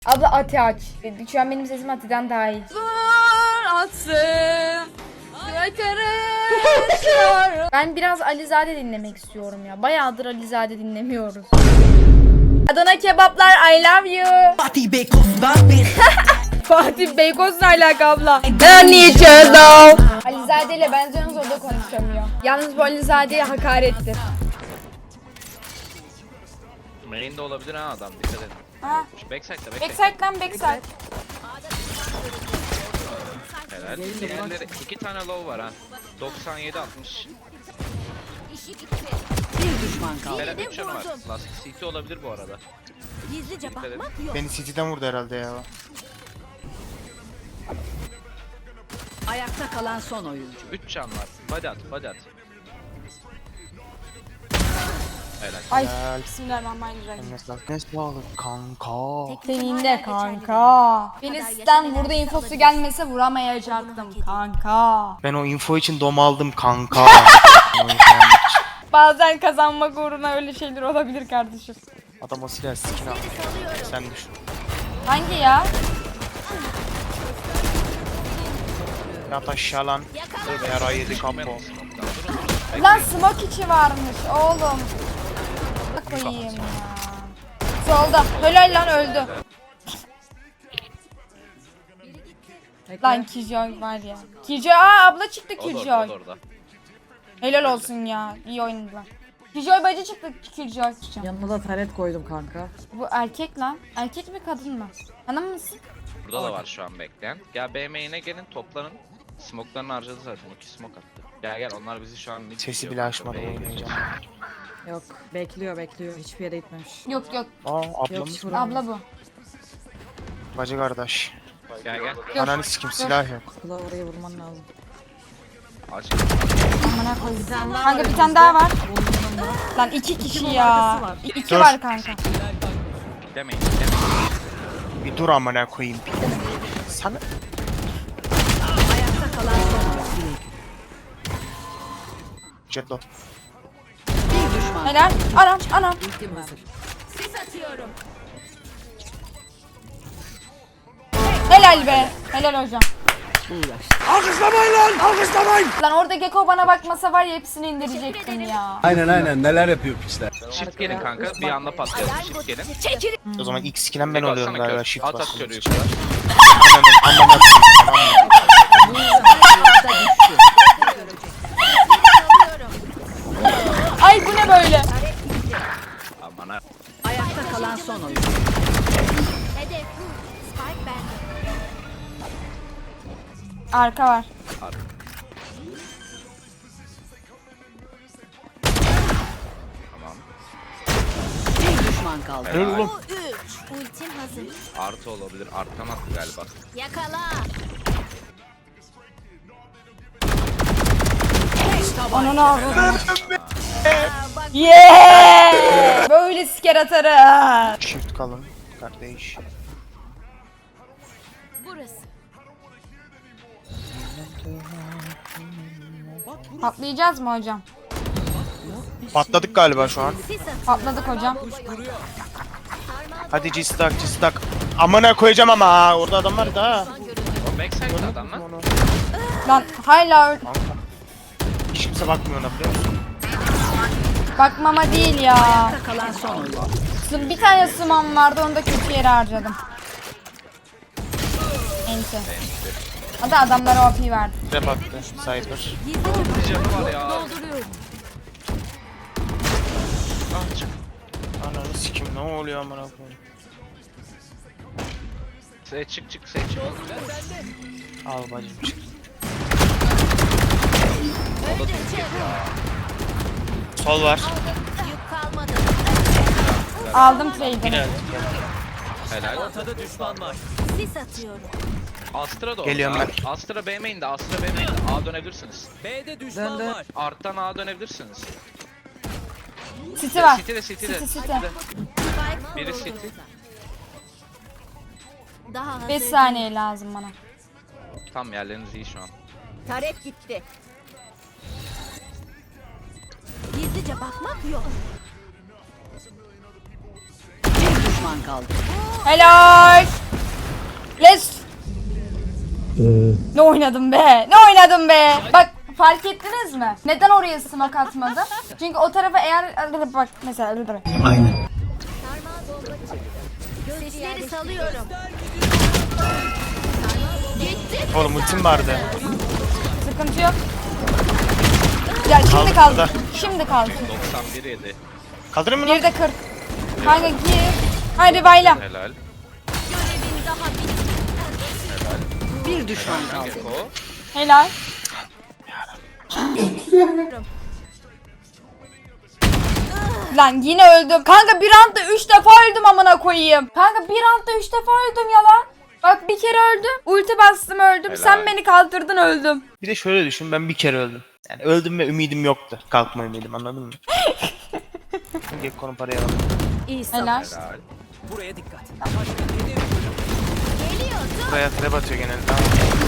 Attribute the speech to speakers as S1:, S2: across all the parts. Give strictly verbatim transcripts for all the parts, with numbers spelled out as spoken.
S1: Abla Ati aç. Şu an benim sesim Ati'den daha iyi. Ben biraz Alizade dinlemek istiyorum ya. Bayağıdır Alizade dinlemiyoruz. Adana kebaplar I love you.
S2: Fatih Beykoz ben
S1: Fatih Beykoz ne alaka abla? Ben niye çözdüm? Alizade ile benziyorsunuz, o da konuşamıyor. Yalnız bu Alizade'ye hakarettir.
S3: Main de olabilir ha adam, dikkat edin.
S1: Ha.
S3: Backside'da backside.
S1: Backside lan backside.
S3: Helal. Diğerleri iki tane low var ha. doksan yedi altmış.
S2: bir düşman kaldı.
S3: Helal üç canı var. Last C T olabilir bu arada.
S4: Gizlice
S3: Dikkat edin.
S4: bakmak yok.
S5: Beni City'den vurdu herhalde ya.
S2: Ayakta kalan son oyuncu.
S3: üç can var. Body at, body at. Helal.
S1: Ay
S5: Helal.
S1: bismillahirrahmanirrahim.
S5: Ne sağlık, ne sağlık kanka.
S1: Senin de kanka. Filiz'den burada infosu gelmese vuramayacaktım kanka.
S5: Ben o info için dom aldım kanka. Ben o info almak için.
S1: Bazen kazanmak uğruna öyle şeyler olabilir kardeşim.
S5: Adam o silah skin almış. Sen düşün.
S1: Hangi ya?
S5: Yat aşağı lan. Yara yedi kampo.
S1: Lan smoke içi varmış oğlum. Koyayım ya. Solda. Helal lan öldü. Lan Killjoy var ya. Killjoy, aa abla çıktı
S3: O da orada, o
S1: Killjoy.
S3: da orada.
S1: Helal olsun ya. İyi oynadılar. Killjoy bacı çıktı Killjoy.
S6: Yanına da taret koydum kanka.
S1: Bu erkek lan. Erkek mi kadın mı? Hanım mısın?
S3: Burada da var şu an bekleyen. Gel B main'e gelin, toplanın. Smoke'larını harcadı zaten. iki smoke attı. Gel gel, onlar bizi şu an ne
S5: Sesi
S3: diyor
S5: bile
S3: kanka,
S5: açmadı
S3: B'ye
S5: oynayacağım.
S6: Yok bekliyor bekliyor hiçbir yere gitmemiş.
S1: Yok yok.
S5: Aa
S6: Yok
S5: ablamız.
S6: şurada.
S1: Abla bu.
S5: Bacı kardeş.
S3: Gel gel.
S1: Yok.
S5: Ananı sikim silah yok.
S6: Kula oraya vurman lazım.
S3: Aç.
S1: Amına koyayım. Kanka bir tane daha var. Lan iki kişi ya.
S6: var.
S1: İ- İki
S5: Dur.
S1: var kanka.
S3: Demeyin, demeyin.
S5: Bir dur amına koyayım. Sana
S2: Ayakta kalan son oyuncu.
S5: jetlo.
S2: Bir düşman.
S1: Helal. Anam anam.
S2: Ultim hazır.
S4: Sis atıyorum.
S1: Helal be. Helal hocam.
S2: Uğraş.
S7: Alkışlamayın lan! Alkışlamayın!
S1: Lan orada Gecko bana bakmasa var ya hepsini indirecektim ya.
S7: Aynen aynen neler yapıyor pisler.
S3: Shift gelin kanka, bir anda patlayalım. Shift gelin.
S4: Çekil.
S5: O zaman ilk skill'en ben
S3: Bir
S5: oluyorum
S3: baksana
S5: galiba
S3: kör.
S5: shift
S3: At at
S5: bastım.
S3: körü yukarı.
S5: Ananın amına
S1: Ay bu ne böyle?
S3: Aman ha.
S2: Ayakta kalan son oyuncu.
S4: Hedef bu. Spike bende.
S1: Arka var.
S3: Tamam.
S2: Bir düşman kaldı.
S3: Helal.
S4: Bu üç. Ultim hazır.
S3: Artı olabilir. Arttan attı galiba.
S4: Yakala.
S1: Ananı avradım. Yeah! Böyle siker atarım.
S5: Shift kalın kardeş.
S4: Burası.
S1: Patlayacağız mı hocam?
S5: Patladık galiba şu an.
S4: Sis atıyorum.
S1: Patladık hocam.
S5: Hadi cistak cistak. Amına koyacağım ama ha. Orada adam var da ha.
S3: O backside'da adam lan.
S5: Onu.
S1: Lan hala öl-
S5: Kanka. Hiç kimse bakmıyor ona biliyor musun?
S1: bakmama değil ya.
S2: Ayakta kalan son oyuncu.
S1: Sım- Bir tane sımam vardı, onu da kötü yere harcadım. Enti. Hadi adamlara O P verdi.
S5: Trap attı. Cypher.
S3: Bir canı var ya.
S4: Dolduruyorum.
S3: Ah çık.
S5: Ananı sikim ne oluyor amına koyayım.
S3: Say çık çık say çık.
S5: Al bacım çık. Sol var.
S4: Yük kalmadı.
S1: Aldım trade'i.
S5: Yine
S3: Helal.
S4: Sis atıyorum.
S3: Astra da
S5: Geliyorum
S3: orada. Astra B main'de. Astra B main'de. A dönebilirsiniz.
S6: Döndü.
S3: Arttan A dönebilirsiniz.
S1: City var.
S3: City'de City'de.
S1: City, City.
S4: Spike
S3: Biri
S4: kuruldu.
S3: City.
S4: Daha hazır.
S1: beş saniye lazım bana.
S3: Tam yerleriniz iyi şu an.
S4: Tarek gitti. Gizlice bakmak yok.
S2: düşman kaldı.
S1: Helal. Let's. Ne oynadım be? Ne oynadım be? Bak fark ettiniz mi? Neden oraya smoke atmadım? Çünkü o tarafa eğer bak mesela
S7: Aynen.
S4: Sesleri salıyorum.
S5: Oğlum ultim vardı.
S1: sıkıntı yok. Ya şimdi
S5: Kaldı
S1: kaldı.
S5: burada.
S1: Şimdi kaldı.
S3: doksan bir yedi.
S5: Kaldırır mı lan?
S1: Bir de kırk. Kanka gir. Haydi bayla.
S3: Helal.
S4: Görevin daha bitmedi.
S2: Bir düşman kaldı.
S3: Gecko.
S1: Helal. Lan yine öldüm. Kanka bir roundda üç defa öldüm amına koyayım. Kanka bir roundda üç defa öldüm ya lan. Bak bir kere öldüm. Ulti bastım öldüm.
S3: Helal.
S1: Sen beni kaldırdın öldüm.
S5: Bir de şöyle düşün, ben bir kere öldüm. Yani öldüm ve ümidim yoktu. Kalkma ümidim, anladın mı? Gekko'nun parayı alalım.
S2: İyi
S1: Helal.
S2: savaş.
S3: Helal.
S6: Buraya dikkat.
S4: Geliyor. Dur.
S5: Buraya trap atıyor genelde. Tamam.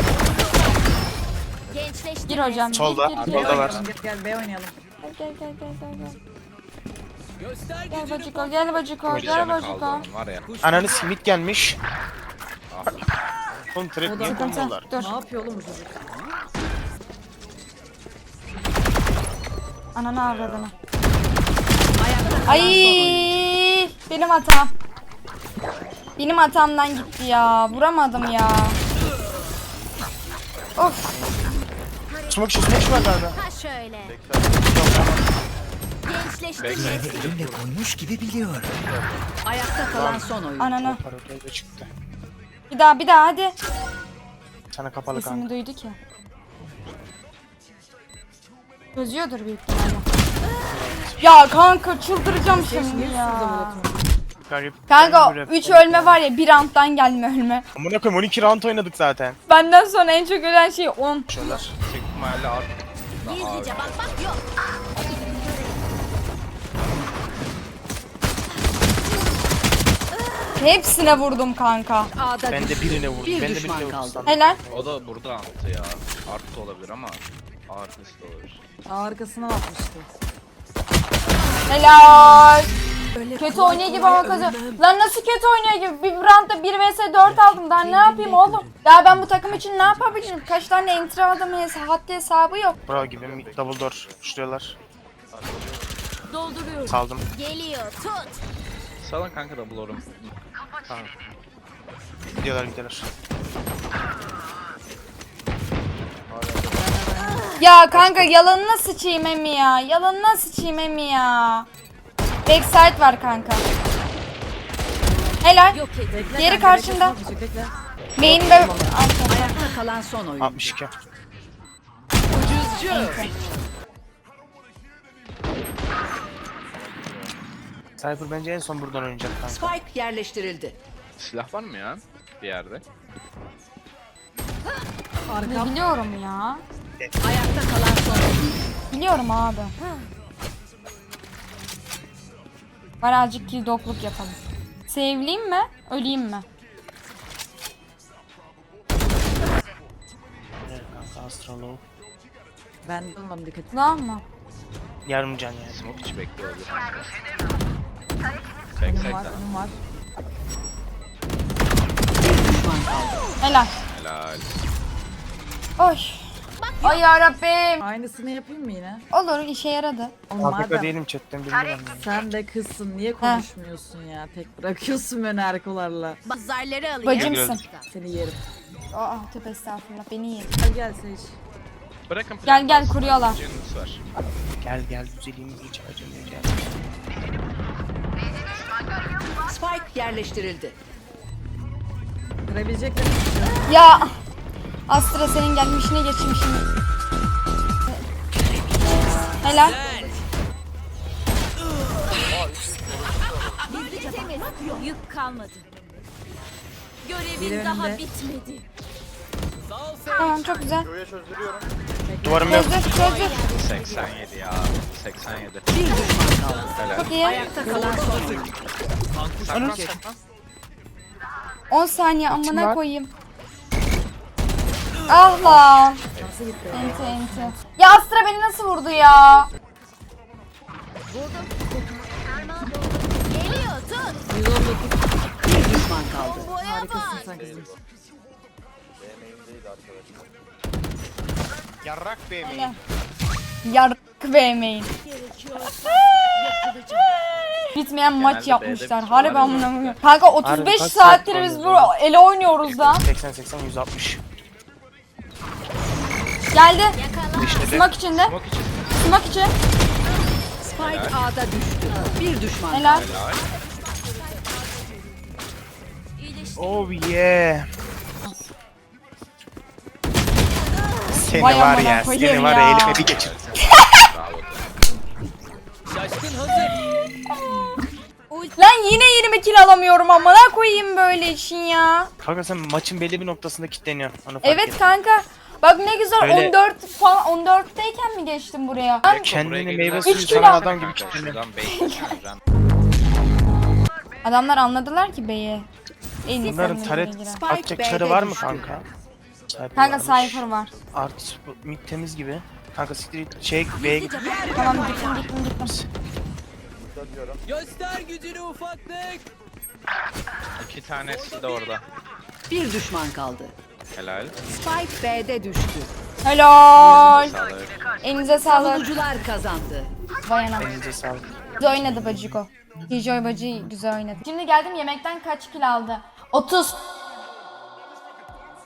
S4: Gençleşti.
S1: Gir hocam. gir,
S5: Solda,
S1: gir, gir.
S5: solda var.
S6: Gel gel B oynayalım.
S1: Gel gel gel gel gel. Gel bacıko gel bacıko
S3: Bir
S1: gel
S3: canı
S1: bacıko.
S3: kaldı onun var ya.
S5: Ananı simit gelmiş.
S3: Ah.
S5: Oğlum trap
S6: O da
S5: niye
S1: Sıkıntı.
S5: koymuyorlar?
S1: Dur.
S6: Ne yapıyor oğlum bu çocuk?
S1: Ananı avradını.
S2: Ayakta kalan
S1: Ay
S2: son oyuncu.
S1: benim hatam. Benim hatamdan gitti ya. Vuramadım ya. Of.
S5: Smoke işi, smoke işi var galiba.
S4: Ha şöyle. Gençleşti.
S3: Bekle.
S2: Ayakta kalan son oyuncu.
S1: Ananı.
S5: Parayı da çıktı.
S1: Bir daha bir daha hadi.
S5: Sana kapalı
S1: Sesimi
S5: kanka.
S1: duydu ki. Çözüyordur büyük ihtimalle. Ya kanka çıldıracağım şimdi ya.
S5: Garip.
S1: Kanka
S5: Garip.
S1: üç ölme var ya bir round'dan gelme ölme.
S5: Amına koyayım on iki round oynadık zaten.
S1: Benden sonra en çok ölen şey on.
S5: Şöyle.
S3: Büyük ihtimalle art.
S4: Gizlice bak bak yok.
S1: Hepsine vurdum kanka.
S2: A'da
S5: Ben de
S2: düştü.
S5: birine vurdum.
S2: Bir
S5: Ben de
S2: düşman
S5: birine
S2: kaldı.
S5: vurdum.
S1: Helal.
S3: O da burada attı ya. Art da olabilir ama artist de olabilir.
S6: Arkasına atmıştı.
S1: Helal. Kötü oynuyor gibi ama kazan. Lan nasıl kötü oynuyor gibi? Bir roundda bir vs dört aldım. Daha ne yapayım oğlum? Ya ben bu takım için ne yapabilirim? Kaç tane entry aldım hes- haddi hesabı yok.
S5: Bravo gibi double door şuruyorlar.
S4: Dolduruyorum.
S5: Saldım.
S4: Geliyor. Tut.
S3: Salın kanka da bulurum. Tamam.
S5: Gidiyorlar gidiyorlar.
S1: Ya kanka yalanına sıçayım emi ya. Yalanına sıçayım emi ya. Backside var kanka. Helal.
S4: Yok edin.
S6: Bekle
S1: Diğeri
S6: kanka,
S1: karşında.
S6: bekle, bekle, bekle.
S1: Main ve altta.
S2: Ayakta kalan son oyuncu.
S5: altmış iki. Cypher bence en son buradan oynayacak kanka.
S2: Spike yerleştirildi.
S3: Silah var mı ya? Bir yerde.
S1: Ne biliyorum ya.
S2: Ayakta kalan son oyuncu.
S1: Biliyorum abi. Var azıcık kill dokluk yapalım. Sevleyeyim mi? Öleyim mi?
S5: Evet kanka Astrolo.
S6: Ben de olmadım dikkat.
S1: Lan mı?
S5: Yarım can yani.
S3: Smoke içi bekliyor olabilir.
S6: Önüm var,
S3: Backside'den.
S6: önüm var.
S2: Bir düşman kaldı.
S1: Helal.
S3: Helal.
S1: Oy. Ay yarabbim.
S6: Aynısını yapayım mı yine?
S1: Olur işe yaradı.
S6: Oğlum
S5: Afrika
S6: madem
S5: değilim chatten bilmiyorum.
S6: sen de kızsın niye konuşmuyorsun ya? Tek bırakıyorsun beni erkolarla.
S4: Bak zarları alayım.
S1: Bacımsın.
S6: Seni yerim.
S1: Aa tövbe estağfurullah beni iyi.
S6: Gel gel Sage.
S3: Bırakın
S1: Gel, gel,
S3: plan
S1: kuruyorlar.
S3: kalsın, canınız var.
S5: Gel gel güzelim hiç acımayacak.
S2: Spike yerleştirildi.
S6: Kırabilecekler.
S1: Ya. Astra senin gelmişine geçmişini. Helal.
S4: Gizlice temiz. Yük kalmadı. Görevin
S6: Biri
S4: daha
S6: önünde.
S4: bitmedi.
S1: Tamam çok güzel.
S5: Duvarım yok.
S1: Çözdük çözdük.
S3: seksen yedi ya. seksen yedi.
S2: Bir düşman kaldı.
S3: Helal.
S1: Çok iyi.
S2: Ayakta kalan son oyuncu.
S3: Saklan saklan.
S1: on saniye amına koyayım. Ah lan. Enti enti. Ya Astra beni nasıl vurdu ya?
S4: Geliyor. Tut.
S6: yüz on
S2: Bir düşman kaldı.
S6: Harikasın sen kızım.
S5: Yarrak B main.
S1: Yarık vermeyin. Bitmeyen maç
S3: Genelde
S1: yapmışlar.
S3: B'de bir
S1: Harbi
S3: şey var
S1: amına
S3: ya.
S1: koyayım. Kanka otuz
S5: Harbi
S1: beş
S5: kaç
S1: saattir
S5: saat
S1: biz bu
S5: oynuyoruz
S1: ele oynuyoruz da.
S5: seksen seksen yüz altmış.
S1: Geldi.
S5: İşte de.
S1: Smoke içinde.
S3: Smoke için.
S1: Smoke için.
S2: Spike A'da düştü. Bir düşman
S1: Helal.
S2: kaldı.
S3: Helal.
S5: Oh yeah. Seni
S1: Vay
S5: var
S1: amına
S5: ya,
S1: koyayım
S5: seni var
S1: ya.
S5: ya elime bir geçir.
S3: Bravo.
S1: Lan yine yirmi kill alamıyorum amına koyayım böyle işin ya.
S5: Kanka sen maçın belli bir noktasında kilitleniyorsun. Onu fark
S1: Evet
S5: et.
S1: kanka. Bak ne güzel
S5: Öyle-
S1: on dört falan on dörtteyken mi geçtim buraya? Ben
S5: Kendini
S3: Buraya
S5: meyve
S3: gelin.
S5: suyu
S1: Üç
S5: sanan
S1: kilo.
S5: adam gibi
S3: Kanka,
S5: kilitleniyor.
S3: şuradan bekleyeceğim.
S1: adamlar anladılar ki beyi. En iyi
S5: Bunların
S1: savunmaya
S5: taret
S1: giren.
S5: atacak
S2: B'de
S5: çarı var mı
S2: düştü.
S5: kanka? Cypher
S1: Kanka
S5: varmış.
S1: Cypher var.
S5: Artı bu mid temiz gibi. Kanka siktir şey B'ye git.
S1: Tamam gittim gittim gittim.
S7: Göster gücünü ufaklık.
S3: İki tanesi de orada.
S2: Bir düşman kaldı.
S3: Helal.
S2: Spike B'de düştü.
S1: Helal.
S3: Sağlık.
S1: Elinize sağlık.
S2: Savunucular kazandı.
S1: Vay anam.
S5: Elinize sağlık.
S1: Güzel oynadı Baciko. Kijoy Bacı güzel oynadı. Şimdi geldim yemekten kaç kil aldı? otuz.